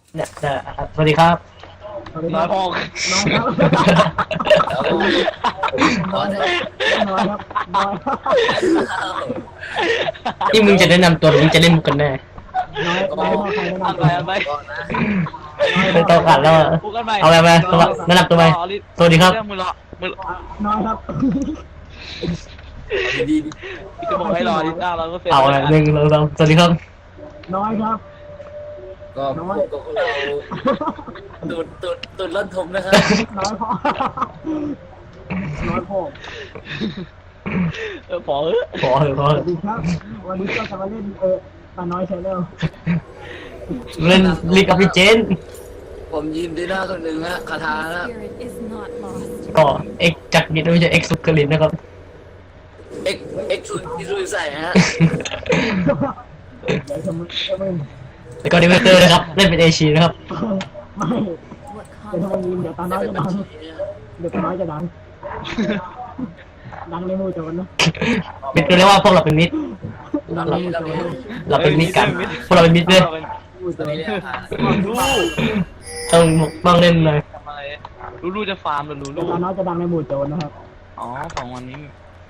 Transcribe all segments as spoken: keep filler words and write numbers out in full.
เนี่ยเนี่ยสวัสดีครับน้อยพอน้อยครับน้อยน้อยครับน้อยครับนี่มึงจะแนะนำตัวหรือมึงจะเล่นมุกกันแน่น้อยน้อยพอใครแนะอันนำไปอันไปเป็นตัวขัดแล้วอะพูดกันไปเอาไปไปตัวแนะนำตัวไปสวัสดีครับมือรอมือน้อยครับดีดีจะบอกให้รอดิจ้าเราก็เสร็จเอาละหนึ่งเราเราสวัสดีครับน้อยครับก็พวกกับเราตูดตูดตูดล้นทมนะครับน้อยพอน้อยพอเออพอเออขอเถอะขอสเถวัอะสดีครับวันนี้ก็จะมาเล่นเออตาน้อยชาแนลเล่นลีกกับพี่เจนผมยิมดีหน้าคนหนึ่งฮะคาถานะ Spirit is not lost. ก็เอ็กจักรยินไม่ใช่เอ็กซุกกลินนะครับเอ็กเอ็กชุดที่ลุยใส่ฮะเดี๋ยวจะมึงจะมึงแล้วก็ดิเวเตอร์นะครับเล่นเป็นเอชีนะครับไม่ What เดี๋ยวทำไมยินเดี๋ยวตาน้อยจะดังเดี๋ยวตาน้อยจะดังดังในหมู่โจรนะมิดก็เรียกว่าพวกเราเป็นมิดเราเราเราเราเราเป็นมิดกันพวกเราเป็นมิดเลยหมู่โจรเรียกหาลูต้องบ้างเล่นเลยทำอะไรลูลูจะฟาร์มหรือลูเดี๋ลูยวตาน้อยจะดังในหมู่โจรนะครับอ๋อของวันนี้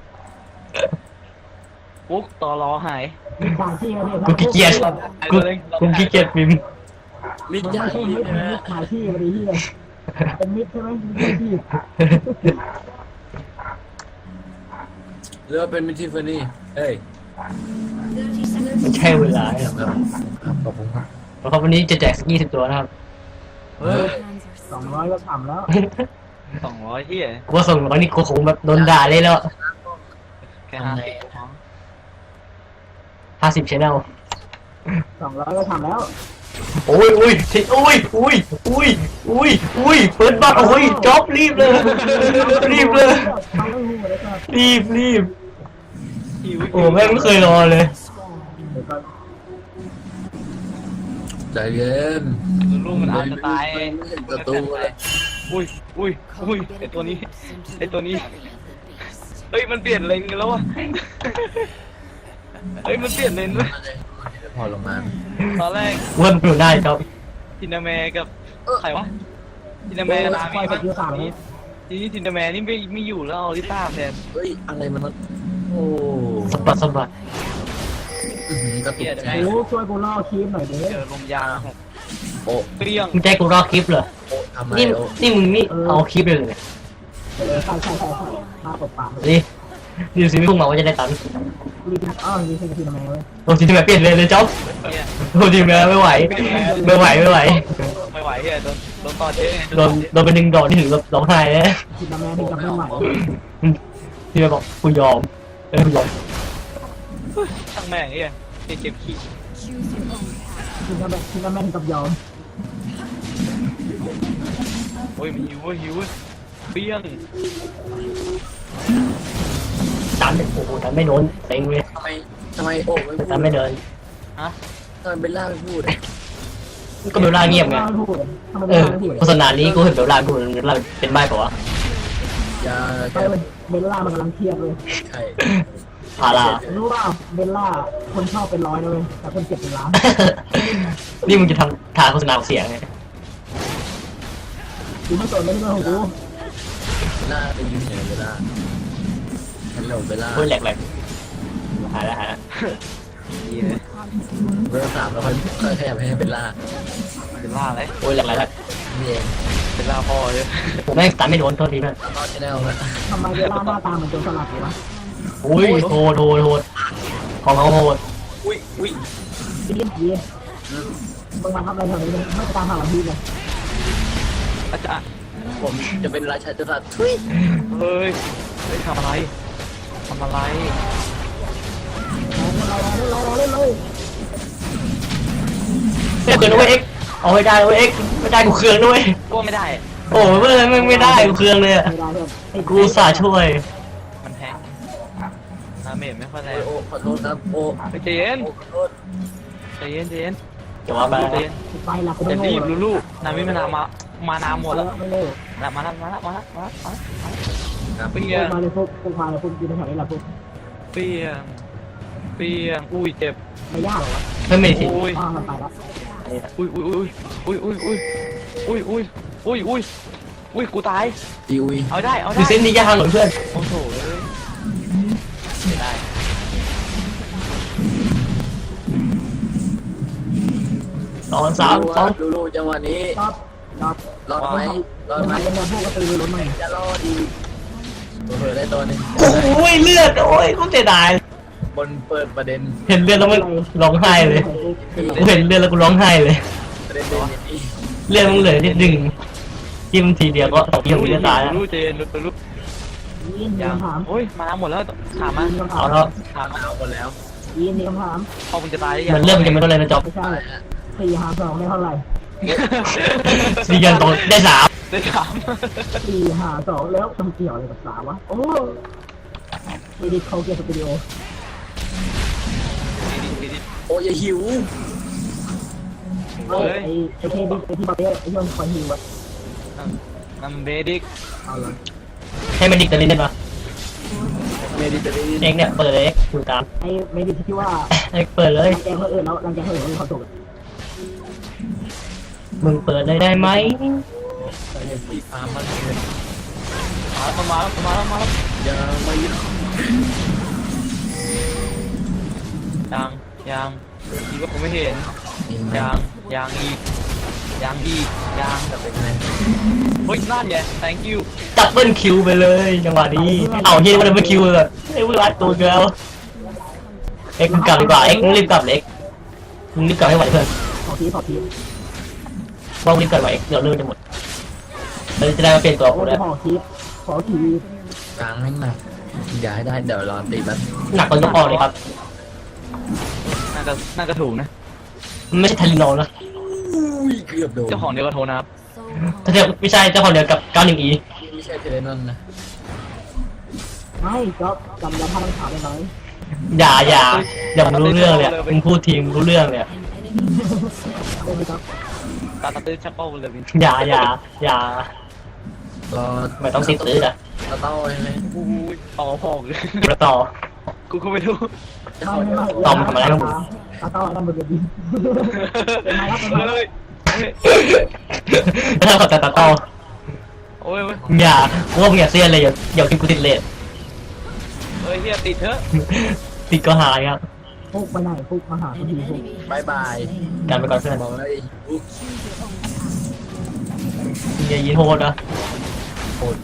ปุ๊กต่อรอหายมีสามที่นะเนี่ยกูขี้เกียจกูกูขี้เกียจพิมพ์มิมันจฉาไม่ใช่ชีมิพดนะมิฮะดขายที่พอดีที่เลยเป็นมิดใช่ไหมมิดขายที่หรือว่าเป็นมิทิฟานี่เฮ้ยไม่ใช่เวลาครับครับขอบคุณครับเพราะวันนี้จะแจกยี่สิบตัวนะครับเฮ้ย hands are สองร้อยก็ทำแล้วสองร้อยที่กูว่าส่งร้อยนี่กูคงแบบโดนด่าเลยแล้วแค่ห้าสิบห้าสิบชแนลสองร้อยก็ทำแล้วโอ้ยอุ้ยทิอุ้ยอุ้ยอุ้ยอุ้ยอุ้ยเปิดบัตรโอ้ยจ็อบรีบเลยรีบเลยทำไม่หูเลยครับรีบรีบหิวโอ้แม่งไม่เคยรอเลยเดี๋ยวก่อนใจเย็นลูกมันอาจจะตายไม่เห็นประตูเลยอุ้ยอุ้ยอุ้ยไอตัวนี้ไอตัวนี้เฮ้ยมันเปลี่ยนเลนกันแล้ววะเฮ้ยมันเปลี่ยนเลนด้วยพอลงมาตอนแรกเวิร์มอยู่ได้ครับทินาแมกับใครวะทินาแมกับนามีมั้ยทีนี้ทินาแมนี่ไม่ไม่อยู่แล้วเอาลิต้าแทนเฮ้ยอะไรมันโอ้สะบัดสะบัดกระตุกใจโอ้ช่วยกูล่อคีบหน่อยดิเจอลมยางหกโอ้เปรี้ยงมึงใจกูรอคลิปเหรอโอ้ทำไมนี่โอ้นี่มึงนี่เอาคลิปเลยเหรอเออใช่ใช่ใช่ใช่มาตบปากเลยนี่นี่สิไม่พุ่งมาว่าจะได้ตังค์รีบอ้าวรีบเป็นทีทำไมเว้ยโอ้ทีมแบบเปลี่ยนเลยเลยจ๊อบเนี่ยโอ้ทีมแบบไม่ไหวไม่ไหวไม่ไหวไม่ไหวเฮียโดนโดนต่อเจ๊โดนโดนเป็นหนึ่งดอกที่ถึงกับร้องไห้เลยทีทำไมถึงจะไม่ไหวทีมแบบบอกกูยอมเออกูยอมช่างแม่งเฮียเก็บขี้ choose your own path. ทีทำไมทีทำไมถึงกับยอมโอ้ยมันหิวเว้ยหิวเว้ยเปรี้ยงตันโอ้โหตันไม่โดนเต็งเลยทำไมทำไมโอ้ไม่พูดตันไม่เดินฮะทำไมเบลล่าไม่พูดก็เบลล่าเงียบไงไม่พูดทำไมเอไม่อพูดโฆษณานี้กูเห็นเบลล่ากูเห็นเบลล่าเป็นใบเปล่าวะอย่าใช่เบลล่ามันกำลังเครียดเลยใช่พารารู้เปล่าเบลล่าคนชอบเป็นร้อยนะเว้ยแต่คนเจ็บเป็นล้านนี่มึงจะทำทางโฆษณาเสียงไงกูไม่สนไม่ใช่เรื่องของกูเบลล่าไปยืนเหนือเบลล่าฮัลโหลเบลล่าโอ้ยแหลกแหลกหายแล้วหายแล้วเฮียเบลล่าสามแล้วค่อยค่อยขยับให้เบลล่าเป็นล่าอะไรโอ้ยแหลกแหลกแหลกนี่เองเป็นล่าพ่อเลยผมแม่งตันไม่โดนโทษทีนะตอนชแนลนะทำไมเบลล่าหน้าตาเหมือนโจรสลัดเลยวะอุ้ยโหดโหดโหดของเขาโหดอุ้ยอุ้ยพี่เลี้ยงผีมึงมาทำอะไรแถวนี้เนี่ยไม่ตามหาหลังพี่เลยอาจารย์ผมจะเป็นราชาจักรพรรดิทุยเฮ้ยเฮ้ยทำอะไรทำอะไรรอเล่นเลยไม่เกินด้วยเอ็กเอาไม่ได้ด้วยเอ็กไม่ได้กูเครื่องด้วยก็ไม่ได้โอ้ไม่เลยไม่ไม่ได้กูเครื่องเลยอะไม่ได้เลยกูสาช่วยมันแพงอาเมจไม่ค่อยแรโอ้งโอ้ขอโทษครับโอ้ไปใจเย็นโอ้ขอโทษใจเย็นใจเย็นจะว่าไปใจเย็นไปละกูอย่าไม่รีโง่บลูลูนามิมานามามานาหมดแล้วไม่เร็วมาแล้วมาแล้วมาแล้วมาแล้วมาแล้วครับเปรี้พยว งกมาเลยพวกพวกมาเลยพวกยืนแถวนี้แหละพวกเปรี้ยงเปรี้ยงอุ้ยเจ็บไม่ยากหรอวะไม่ไม่สิอุ้ยอ้าวมันไปแล้วนี่นะอุ้ยอุ้ยอุ้ยอุ้ยอุ้ยอุ้ยอุ้ยอุ้ยอุ้ยอุ้ยกูตายอีอุ้ยเอาได้เอาดูได้เส้นนี้ยากเหรอเพื่อนโอ้โหเลยไม่ได้สองสามสองดูดูจังหวะนี้รอบรอบรอดไหมรอดทำไหไมมเป็นแบบพวกกระตือรือร้นมั้งจะรอดดีเผื่อได้ตัวนึงโอ้ยเลือดโอ้ยเขาเสียดายบนเปิดประเด็นเห็นเลือดแล้วมันร้องไห้เลยกูเห็นเลือดแล้วกูร้องไห้เลยประเด็นเด่นอย่างนี้เลือดมันเหลือนิดหนึ่งจิ้มทีเดียวก็สองทีมันจะตายแล้วรู้เจนรู้รู้ยีนมียังคำถามโอ้ยมาหมดแล้วถามมายีนคำถาเอามแล้วถามมาเอาหมดแล้วยีนมีคำถามพอมึงจะตายได้ยังมันเริ่มจะไม่เท่าไรนะจ๊อบไม่ใช่สี่หารสองได้เท่าไหร่ดีกันตรงได้สามได้ถามสี่หารสองแล้วต้องเกี่ยวอะไรกับสามวะโอ้ไม่ได้เข้าเกียร์สตูดิโอโอ้ยอย่าหิวเอ้ยไอ้ไอ้เทดิไอ้ที่บอลเต้ไอ้ที่มันคอยฮิวอะนัมเบดิกเอาเลยให้มันดิกตะลินได้ปะเมดิเตอร์เรเนียนเอ็กเนี่ยเปิดเลยเอ็กอยู่ตามไอ้ไม่ได้ที่ว่าเอ็กเปิดเลยรังแกเขาเอิญแล้วรังแกเขาเอิญเขาตกมึงเปิดเลยได้ไหมสีฟ้ามันเลยมาแล้วมาแล้วมาแล้วมาแล้วยังไม่หยุดยังยังดีว่าผมไม่เห็นยังยังอีกยังอีกยังจะเป็นไงเฮ้ยนั่นไง thank you ดับเบิลคิวไปเลยจังหวะนี้เอาเฮียว่าดับเบิลคิวเลยไอ้เวลาตัวเดียวเอ็กมึงกลับดีกว่าเอ็กมึงรีบกลับเลยเอ็กมึงรีบกลับให้ไหวเพื่อนขอทีขอทีว่ามึงรีบกลับไหวเอ็กเดี๋ยวเรื่องจะหมดเราจะได้มาเปลี่ยนตัวโอ้กูยแล้วขอทีขอทีกลางให้หนักอย่าให้ได้เดี๋ยวรอตีมันหนักกว่ายกออกเลยครับน่าจะน่าจะถูกนะมันไม่ใช่ทาริโนนะอุ้ยเกือบโดนเจ้าของเดียวกับโทนะครับ So ถ้าเทียบไม่ใช่เจ้าของเดียวกับเก้าหนึ่งอีไม่ใช่เทเลนอนนะไม่ก็จำแล้วพาต้องถามได้ไหมอย่าอย่าอย่ามึงรู้เรื่องเลยมึงพูดทีมรู้เรื่องเลยได้ไหมครับตาตาตื้อชักเป้าเลยวินอย่าอย่าอย่ารอไม่ต้องติดซื้อนะเราต้องใช่ไหมอุ้ยต่อพอกเลยแล้วต่อกูก็ไม่รู้จะไม่ขอไม่เดี๋ยวไม่ตอมทำอะไรครับผมตาต้อนั่นบนเวทีเป็นไงครับเป็นไงเฮ้ยถ้าเขาจะตัดต่อโอ้ยอย่าพวกมึงอย่าเสียเลยอย่าอย่ากินกูติดเลทเฮ้ยเฮียติดเถอะติดก็หายครับฟุกไปไหนฟุกมาหาทีฟุกบายบายการไปก่อนเพื่อนบอกเลยอุ๊ยอย่ายินโหดนะโหด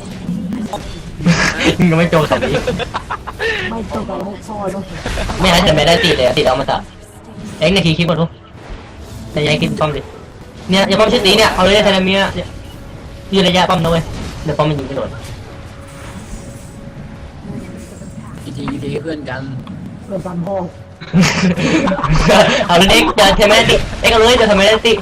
มึงก็ไม่โจมสับนี้ไม่ต้องการฟุกพ่อต้องไม่งั้นจะไม่ได้ติดเลยติดเอามาตัดเอ็งในทีคลิปก่อนทุกแต่ยังกินป้อมดิเนี่ยอย่าป้อมชิดตีเนี่ยเอาเลยไทนาเมียยืนระยะป้อมนะเว้ยเดี๋ยวป้อมมันยิงไม่โดนอีทีอีทีเพื่อนกันเพื่อนกันพ่อเอาเลยเอ็กจะทำไมได้ติเอ็กเอาเลยจะทำไมได้ติ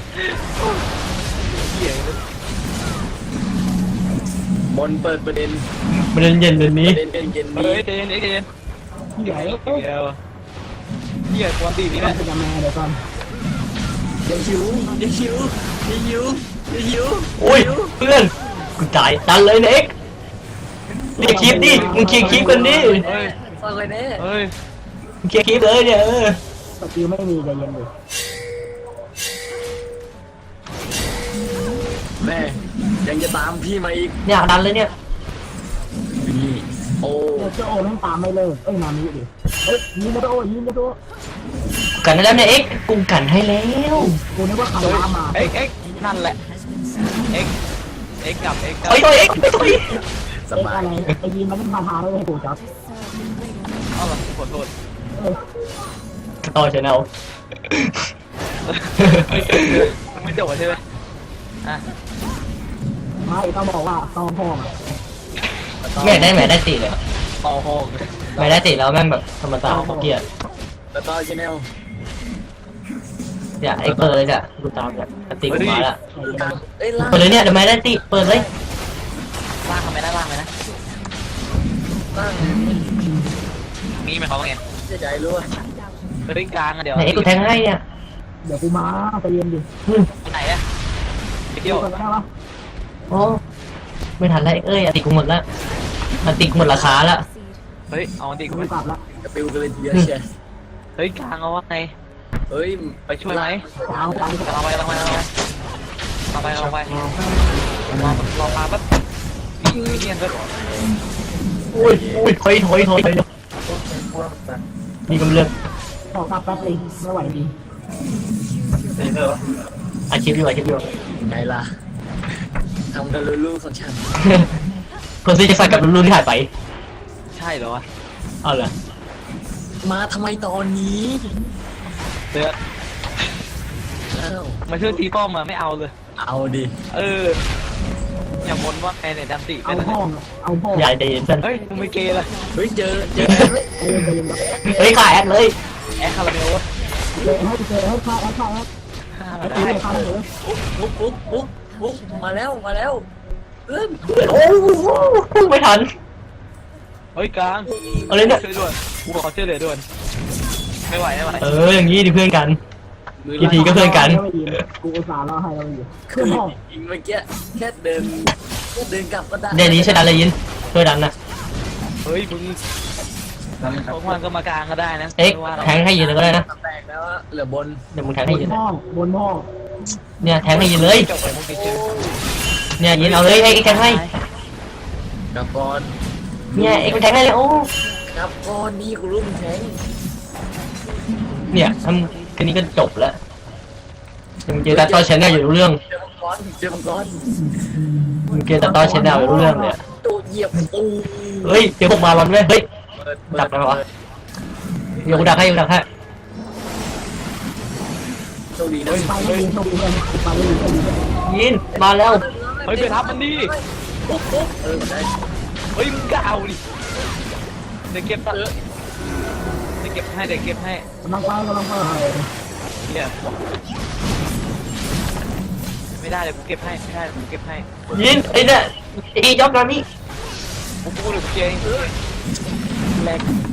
บนเปิดประเด็นมันเย็นเดือนปนี้ระเด็นเย็นเย็นเฮ้นี้ยเจนเอ็กเจนที่ไหนเฮียเฮียควอนตีนี่แหละเป็นยังไงเดี๋ยวก่อนอย่าหิวอย่าหิวอย่าหิวอย่าหิวโอ้ยเพื่อนกูจ่ายตันเลยนะเอ็กเรียกคลิปดิมึงเคลียร์คลิปกันดิเฮ้ยฟังเลยเนี่ยเฮ้ยมึงเคลียร์คลิปเลยเนี่ยเออสกิลไม่มีใจเย็นดิแม่ยังจะตามพี่มาอีกเนี่ยดันเลยเนี่ยนี่โอ้เดี๋ยวเจ้าโอแม่งตามไม่เลิกเอ้ยนามิดิเอ้ยยิงกระโดดยิงกระโดดกันให้แล้วเนี่ยเอ็กกูกันให้แล้วกูนึกว่าใครตามมาเอ็กเอ็กนั่นแหละเอ็กเอ็กกลับเอ็กกลับเฮ้ยตัวเอ็กไม่ตัวเอ็กสเอ้ยบาอะยไรไอ้ยิงมันเป็นพาทาเลยให้กูจับเอาละขอโทษเอ้ยต่อชแนลไม่จบใช่ไหมอ่ะไม่ต้องบอกว่าต้องพ่อมาไม่ได้ไม่ได้ติเลยต่อหอกไม่ได้ติแล้วแม่งแบบธรรมดาเขาเกลียดแล้วก็ชแนลอย่าไอ้เปิดเลยจ้ะดูตามเนี่ยติกูมาละตามเอ้ยล่างเปิดเลยเนี่ยเดี๋ยวไม่ได้ติเปิดเลยล่างทำไมนะล่างไหมนะล่างมีไหมเขาว่าไงเสียใจรู้ว่าเฮ้ยกลางอะเดี๋ยวไหนเอ็กกูแทงให้เนี่ยเดี๋ยวกูมาใจเย็นดิอืมไหนอะไปเที่ยวกันได้ปะโอ้ไม่ทันไรเอ้ยติกูหมดละมันติกูหมดราคาละเฮ้ยเอาดิกูกูกลับละกระปิวกันเลยทีเดียวเชียร์เฮ้ยกลางเอาว่าไงเฮ้ยไปช่วยไหมเอาไปเอาไปเอาไปเอาไปเอาไปเอาไปรอรอปลาแป๊บนี่เนียนก็อุ้ยอุ้ยถอยถอยถอยมีกำเลือกขอกลับแป๊บนึงไม่ไหวดีอาชีพอยู่อาชีพอยู่ไงล่ะทำกันลูกๆของฉันคนซีจะใส่กับรุ่นที่หายไปใช่เหรอวะเอาเหรอมาทำไมตอนนี้เดือดอ้าวมาช่วยตีป้อมมาไม่เอาเลยเอาดิเอออย่าบ่นว่าใครเนี่ยดันติเอาเป็นห้องเอาห้องอย่าใจเย็นเพื่อนเฮ้ยมึงไม่เกย์เลยเฮ้ยเจอเจอเออเดินแบบเฮ้ยขาแอดเลยแอคคาราเมลวะเจอให้เจอให้ฆ่าให้ฆ่าให้ฆ่าให้มาได้ฆ่าเลยปุ๊บปุ๊บปุ๊บปุ๊บปุ๊บมาแล้วมาแล้วเพื่อนโอ้พุ่งไม่ทันเฮ้ยกลางเอาเลยเนี่ยช่วยด่วนกูขอช่วยเหลือด่วนไม่ไหวไม่ไหวเอออย่างนี้ดิเพื่อนกันมือกี่ทีก็เพื่อนกันกูอุตส่าห์รอให้เราอยู่คืขึ้อนห้องยิงเมื่อกี้แค่เดินแค่เดินกลับก็ได้เดี๋ยวนี้ใช่ดันเลยยินช่วยดันนะเฮ้ยมึงพวกมันก็มากลางก็ได้นะเอ็กไม่ว่าหรอกแทงให้ยินเลยก็ได้นะแตกแล้วอะเหลือบนเดี๋ยวมึงแทงบให้นยินห้องบนห้องเนี่ยแทงให้ยินเลยจบไปมึงติดเชื้อเนี่ยยินเอาเลยเอ็กแทงให้กลับก่อนเนี่ยเอ็กแทงให้เลยโอ้กลับก่อนนี่กูรู้มึงแทงเนี่ยทำแค่นี้ก็จบแล้วมึงเจอแต่ต้อชแนลอยู่รู้เรื่องเจอมังกรเจอมังกรมึงเจอแต่ต้อชแนลอยู่รู้เรื่องเลยตูเหยียบตูเฮ้ยเจอพวกมาลอนเว้ยเฮ้ยเปิดเปิดักได้ปะวะ เดี๋ยวกูดักให้กูดักให้โชคดีนะไปไม่ดีโชคดีเลยไปไม่ดีโชคดีเลยยินมาแล้วเฮ้ยไปทับมันดิปุ๊บปุ๊บเออได้เฮ้ยมึงก็เอาดิเดี๋ยวเก็บตัดเดี๋ยวเก็บให้เดี๋ยวเก็บให้กำลังไปกำลังไปเนี่ยไม่ได้เดี๋ยวกูเก็บให้ไม่ได้เดี๋ยวกูเก็บให้ยินไอ้เนี่ยไอ้จ็อบนานี่กูพูดเลยกูเจงเอ้ยแรง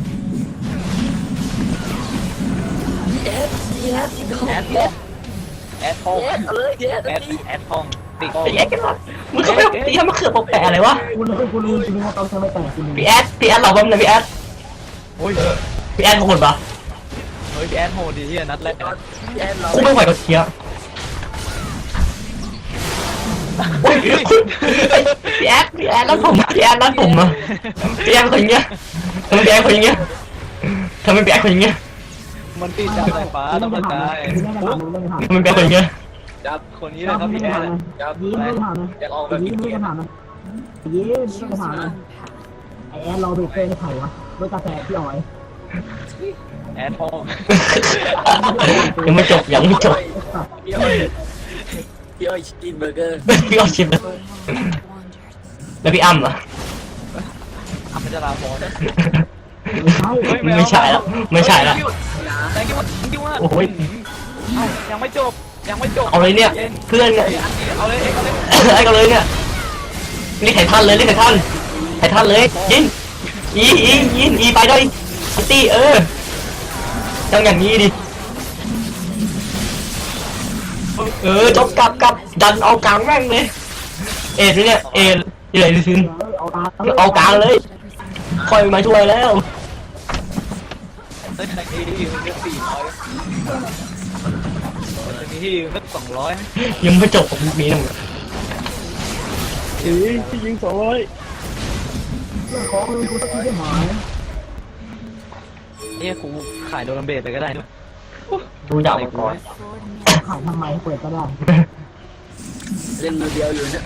แอดแอดแอดแอดทองแอดเลยแอดแอดแอดทองติดไอ้แอดกันวะมึงเข้าไปตีทำมะเขือปกแปะอะไรวะกูรู้กูรู้จริงว่าต้องใช้ไม่แตกกูรู้พี่แอดพี่แอดเราบ้างนะพี่แอดโอ้ยพี่แอดโหดปะเฮ้ยแอดโหดดีที่นัดแรกแอดเรากูไม่ไหวกับเคียร์โอ้ยพี่แอดพี่แอดรัดผมพี่แอดรัดผมอะพี่แอดคนอย่างเงี้ยทำไมพี่แอดคนอย่างเงี้ยทำไมพี่แอดคนอย่างเงี้ยมันติดจากสายฟ้าไม่ต้องได้เข้าใจผ่านไม่ได้ผ่านทำไมพี่แอดคนอย่างเงี้ยจับคนนี้เลยครับพี่แอดจับยิ้มไม่ผ่านนะอยากออกแบบยิ้มนี้ไม่ผ่านนะยิ้มไม่ผ่านนะไอแอนรอเบรกเกอร์ให้ไข่วะรถกาแฟพี่อ๋อยแอดทองยังไม่จบยังไม่จบพี่อ้อยพี่อ้อยกินเบอร์เกอร์พี่เอาชิม wandered. แล้วพี่อ้ำอะอัพจะลาฟอนไม่ใช่ไม่ใช่แล้วไม่ใช่แล้วแต่คิดว่าคิดว่าโอ้ยเอ้ายังไม่จบยังไม่จบเอาเลยเนี่ยเพื่อนเนี่ยเอาเลยเอาเลยไอ้กันเลยเนี่ยเรียกไถ่ท่านเลยเรียกไถ่ท่านไถ่ท่านเลยยินอีอียินอีไปด้วยอันตี้เออต้องอย่างนี้ดิเออจบกลับกลับดันเอากลางแม่งเลยเอ็ดเนี่ยเอ็ดที่ไหนซินเอาตาเอากลางเลยคอยมาช่วยแล้วเฮ้ยแต่ที่มันก็สี่ร้อยแต่ที่มันก็สองร้อยยังไม่จบของนี้นะมึงเฮ้ยยิงสองร้อยของเลยกูสักทีได้หมายเนี่ยกูขายโดนัมเบสเลยก็ได้นะดูดาวมังกรขายทำไมเปิดก็ได้เล่นมือเดียวอยู่เนี่ย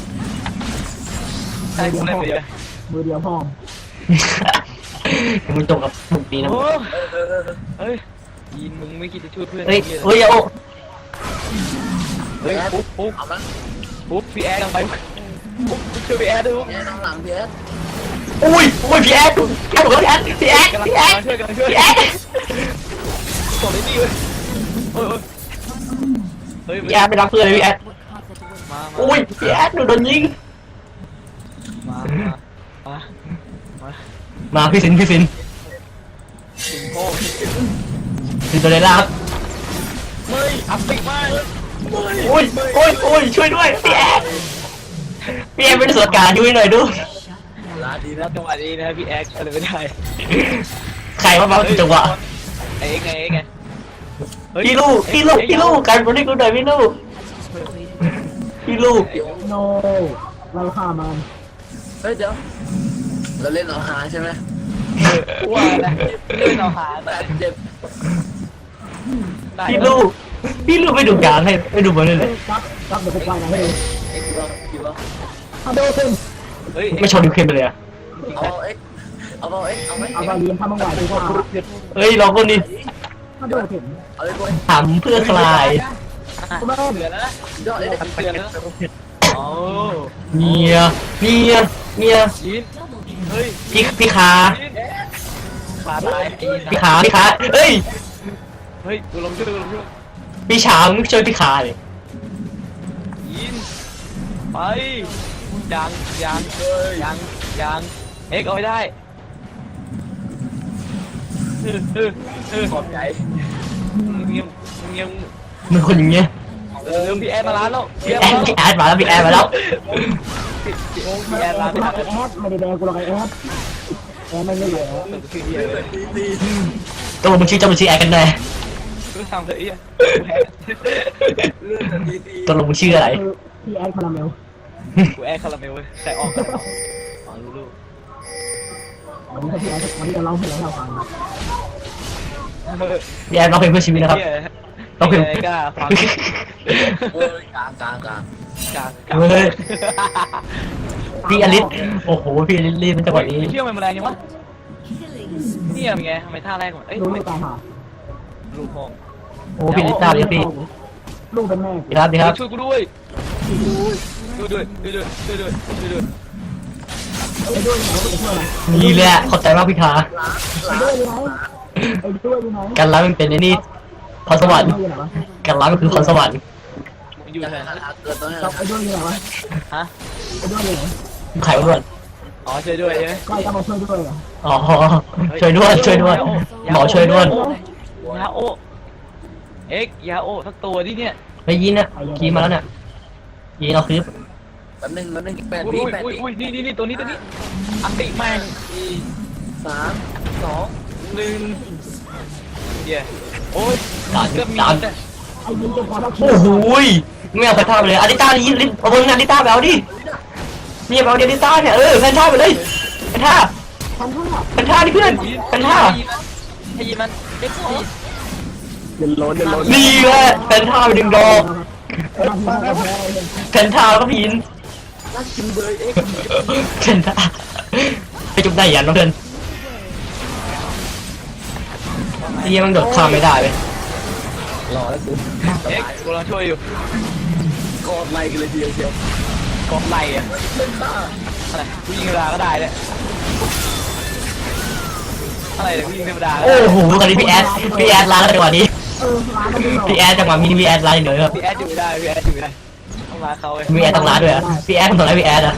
ใช่กูเล่นไปเลยมือเดียวพร้อมยังไม่จบกับบุกนี้นะโอ้เออเออเออเฮ้ยยินมึงไม่คิดจะช่วยเพื่อนเฮ้ยเฮ้ยโอ้เฮ้ยปุ๊บปุ๊บเอาละปุ๊บพี่แอดลงไปปุ๊บช่วยพี่แอดดูแอดข้างหลังพี่แอดอุ้ยอุ้ยพี่แอดพี่แอดพี่แอดพี่แอดกำลังพี่แอดช่วยกำลังช่วยพี่แอดส่งเลยนี่เว้ยเฮ้ยเฮ้ยพี่แอดไปรับเพื่อนเลยพี่แอดมาอุ้ยพี่แอดหนูโดนยิงมามามาพี่สินพี่สินสิงโก้สินตัวเลยล่าครับไม่อัพติกมากอุ้ยอุ้ยอุ้ยช่วยด้วยพี่แอดพี่แอดเป็นส่วนกลางช่วยหน่อยดูลาดีแล้นะวจังหวะนี้นะพี่แอดอะไรไม่ได้ใครมาบ้างจังหวะไอ้ไงไอ้ไงเฮ้ยพี่ลูกพี่ลูกพี่ลูกกันบอลนี่กูหน่อยพี่ลูกพี่ลูกโนเราฆ่ามันเฮ้ยเดี๋ยวเราเล่นเอาหาใช่ไหมกูว่านะเล่นเอาหาแต่แต่เจ็บได้พี่ลูกพี่ลูกไม่ดูการให้ไม่ดูบอลเลยเฮ้ยครับครับเดี๋ยวผมไปนะให้ดูเอ็กซ์บอกคิดว่าฮัลโหลคุณเฮ้ยไม่ชอบดิวเคมไปเลยอะเอาเอ็กซ์เอาเอาเอ็กซ์เอาไหมเอาไปเรียนทำมังหวายดีกว่าเฮ้ยเราคนนี้ฮัลโหลคุณเอาเลยบอยถามเพื่อคลายคุณแม่เสือแล้วนะยอดเลยเสือแล้วโอ้เมียเมียเมียยินเฮ้ยพี่พี่ขายินขาตายยินพี่ขาพี่ขาเอ้ยเฮ้ยกูลงช่วยกูลงช่วยพี่ฉางช่วยพี่ขาเลยยินไปยังยังยังยังเอ็กเอาไม่ได้เออเออเออขอบใจเงียบเงียบมันคนอย่างเงี้ยเออพี่แอดมาร้านแล้วพี่พี่แอแอดดมาแล้วพี่แอดมาแล้วพี่แอดมาแล้วพี่แอดร้านกูไม่รัทักนไอแอดไม่ได้แดงกูรักไอแอดแอดไม่ไม่เหลือคือเฮียเลยตีตัวมึงชื่อเจ้ามึงชื่อแอดกันแน่กูทำเถอะไอ้เหี้ยเลื่อนแต่ตีตีตัวมึงชื่ออะไรคือพี่แอดคาราเมลกูแอดคาราเมลเว้ยแต่ออกกันอ๋อรู้รู้วันนี้พี่แอดวันนี้จะเล่าให้เราฟังพี่แอดร้องเพลงเพื่อชีวิตนะครับต้องเป็นกล้าฟังโอ้ยกลางกลางกลางกลางกลางเฮ้ยพี่อลิสโอ้โหพี่อลิสรีบเป็นจังหวะนี้เที่ยวมันแรงยังวะ Killing เนี่ยเป็นไงทำไมท่าแรกก่อนเอ้ยลูกทำไมไม่ตายหาลูกพองโอ้พี่อลิสทราบเลยพี่ลูกเป็นแม่ดีครับดีครับช่วยกูด้วยช่วยด้วยช่วยด้วยช่วยด้วยช่วยด้วยไอ้ด้วยไหนไอ้ด้วยไหนนี่แหละขอบใจมากพี่ขาล้างไอ้ล้างด้วยไหนไอ้ด้วยไหนการรับมันเป็นไอ้นี่พรสวรรค์การรับมันคือพรสวรรค์มึงอยู่จะไหนให้เกิดตรงนี้กับไอ้ด้วยไหนวะฮะไอ้ด้วยไหนไข่อ้วนอ๋อช่วยด้วยใช่ไหมก็ไอ้กำลังช่วยด้วยเหรออ๋อช่วยด้วยช่วยด้วยหมอช่วยด้วยยาโอเอ็กยาโอสักตัวดิเนี่ยไปยินนะขี่มาแล้วเนี่ยยินเอาคลิปแป๊บนึงแป๊บนึงแปดอุ้วิยแปดอุ้ยวิอุ้ยนี่นี่นี่ตัวนี้ตัวนี้อันติแม่งสี่สามสองหนึ่งเดี๋ยวโอ้ยการเกือบมีการแต่ไอ้ยิงจะพอแล้วโอ้โหไม่เอาแพนท่าไปเลยอาริต้ายินลิเอาบนอาริต้าไปเอาดิเนี่ยไปเอาอาริต้าเนี่ยเออแพนท่าไปเลยแพนท่าพันห้าแพนท่าดิเพื่อนแพนท่าให้ยิงมันเอ็กซ์เดินล้นเดินล้นนี่แหละแพนท่าไปดึงดอกมาทีมาแพ้เลยแพนท่าแล้วก็ยินลักคิวเบย์เอ็กซ์แพนท่าไปจุดได้ยันเพื่อนเฮียมันโดดข้ามไม่ได้เลยรอแล้วกูเอ็กซ์กูกำลังช่วยอยู่กอดไล่กันเลยทีเดียวเชียวกองไหลอะเป็นข้าอะไรกูยิงธรรมดาก็ได้เลยอะไรเนี่ยกูยิงธรรมดาก็โอ้ได้โหตอนนี้พี่แอดพี่แอดล้างจังหวะนี้เออร้านมันไม่หลอกพี่แอดจังหวะนี้พี่แอดล้างเหนื่อยครับพี่แอดอยู่ไม่ได้พี่แอดอยู่ไม่ได้ต้องมาเขาเลยพี่แอดต้องล้างด้วยอะพี่แอดทำอะไรพี่แอดอะ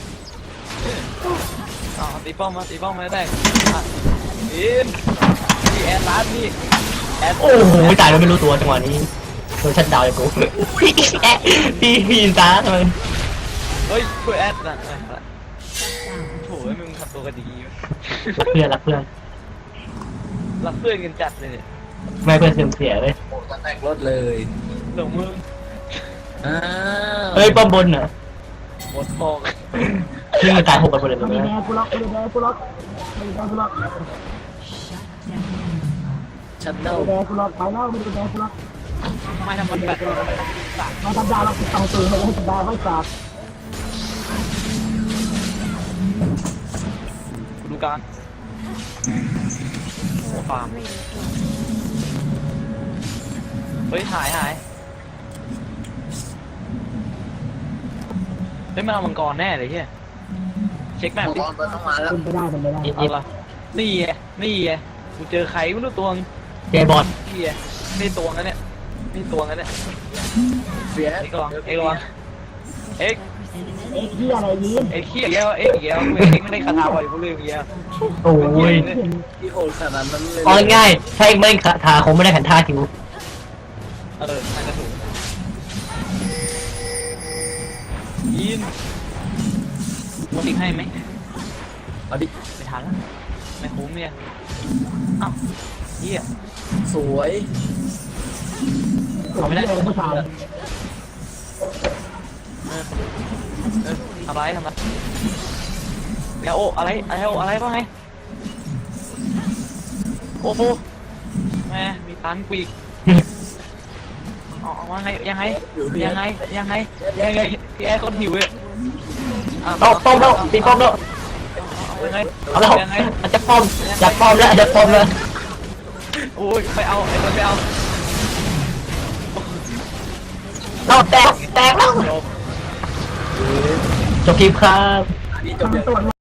อ๋อตีป้อมมาตีป้อมมาได้อ่ะอินพี่แอดร้านพี่แอดโอ้โหตายโดยไม่รู้ตัวจังหวะนี้โดนชัดดาวน์เลยกูพี่แอดพี่พี่ยินตาทำไมเฮ้ยช่วยแอดนะโถ่มึงทำตัวกันดีรักเพื่อนรักเพื่อนรักเพื่อนกันจัดเลยเนี่ยไม่เพื่อนเสื่อมเสียเลยโอ้จะแตกรถเลยหลงมึงอ้าวเฮ้ยป้อมบนเหรอหมดบอกพี่มันตายหกกันหมดเลยไม่นะได้แดงกูล็อกไม่ได้แดงกูล็อกไม่ได้แดงกูล็อกชัดไม่เด้าได้แดงกูล็อกไปแล้วไม่ได้แดงกูล็อกทำไมทำมันแบบมาทำดาวเราต้องตื่นให้ให้ดาวไม่จับดูการโอ้ฟาร์มเฮ้ยหายหายเฮ้ยมันเอามังกรแน่เลยเฮียเช็คแมมัปงดิกรต้องมาแล้วเป็นไปได้เป็นไปได้เอาละนี่ไงนี่ไงกูเจอใครไม่รู้ตัวงเจบอลนี่ไงนี่ตัวงั้นเนี่ยนี่ตัวงั้นเนี่ยเสียเอ็กซ์ลองเอ็กซ์ลองเอ็กซ์เอ็กที่อะไรยินเอ็กซ์ขี้เงี้ยเอ็กซ์เงี้ยเอ็กซ์ไม่ได้คาถาบ่อยกูลืมเงี้ยโอ้ยที่โหดขนาดนั้นเลยเอาง่ายๆถ้าเองไม่ขาขาคงไม่ได้แผ่นท่าคิวเออน่าจะถูกยินมึงติ๊กให้ไหมเอาดิไม่ทันแล้วไม่คุ้มเนี่ยอ้าวเฮียสวยเอาไม่ได้เลยผู้ชายทำไรทำไรแล้วโออะไรอะไรโออะไรบ้างไงโอ้โหแม่มีตันกูอีกออกมาไงยังไงยังไงยังไงยังไงพี่แอร์คนหิวเลยป้อมป้อมแล้วตีป้อมแล้วยังไงเอาแล้วยังไงจะป้อมจะป้อมแล้วจะป้อมแล้วโอ้ยไปเอาไอ้คนไปเอาเราแตกแตกแล้วจบจบคลิปครับนี่จทาบงเลยตัว